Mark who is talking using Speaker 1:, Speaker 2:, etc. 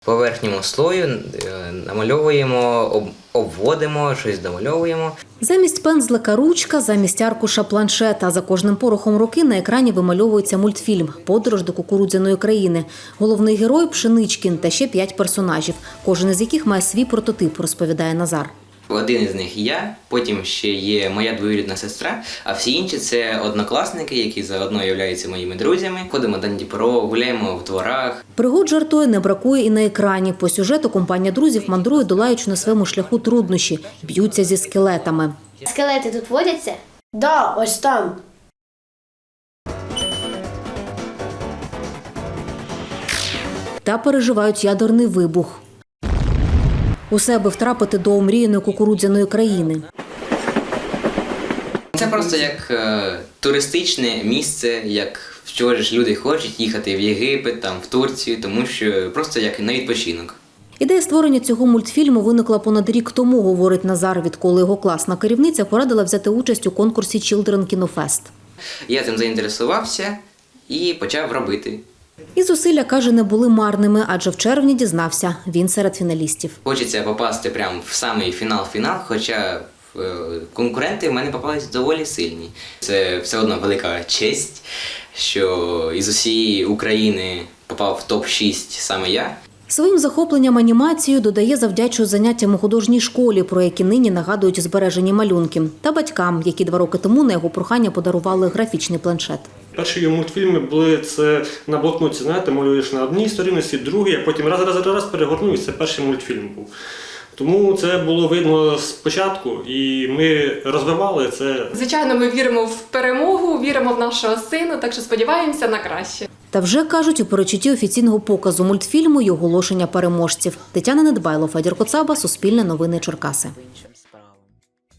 Speaker 1: По верхньому слою намальовуємо, обводимо, щось домальовуємо.
Speaker 2: Замість пензлика – ручка, замість аркуша – планшета. За кожним порохом руки на екрані вимальовується мультфільм «Подорож до кукурудзяної країни». Головний герой – Пшеничкін та ще 5 персонажів, кожен із яких має свій прототип, розповідає Назар.
Speaker 1: Один із них я, потім ще є моя двоюрідна сестра, а всі інші – це однокласники, які заодно являються моїми друзями. Ходимо на Дніпро, гуляємо в дворах.
Speaker 2: Пригод, жартує, не бракує і на екрані. По сюжету компанія друзів мандрує, долаючи на своєму шляху труднощі, б'ються зі скелетами.
Speaker 3: Скелети тут водяться?
Speaker 4: Да, ось там.
Speaker 2: Та переживають ядерний вибух. Усе, аби втрапити до омріяної кукурудзяної країни.
Speaker 1: Це просто як туристичне місце, як в чого ж люди хочуть їхати в Єгипет, там, в Турцію, тому що просто як на відпочинок.
Speaker 2: Ідея створення цього мультфільму виникла понад рік тому, говорить Назар, відколи його класна керівниця порадила взяти участь у конкурсі Children Kino Fest.
Speaker 1: Я цим заінтересувався і почав робити.
Speaker 2: І зусилля, каже, не були марними, адже в червні дізнався – він серед фіналістів.
Speaker 1: Хочеться попасти прямо в самий фінал, хоча конкуренти в мене попались доволі сильні. Це все одно велика честь, що із усієї України попав в топ-6 саме я.
Speaker 2: Своїм захопленням анімацією, додає, завдячує заняттям у художній школі, про які нині нагадують збережені малюнки, та батькам, які 2 роки тому на його прохання подарували графічний планшет.
Speaker 5: Перші його мультфільми були це на блокноті, знаєте, малюєш на одній сторінці, другій, а потім раз перегорнув, і це перший мультфільм був. Тому це було видно спочатку, і ми розвивали це.
Speaker 6: Звичайно, ми віримо в перемогу, віримо в нашого сина, так що сподіваємося на краще.
Speaker 2: Та вже, кажуть, у передчутті офіційного показу мультфільму й оголошення переможців. Тетяна Недбайло, Федір Коцаба, Суспільне новини, Черкаси.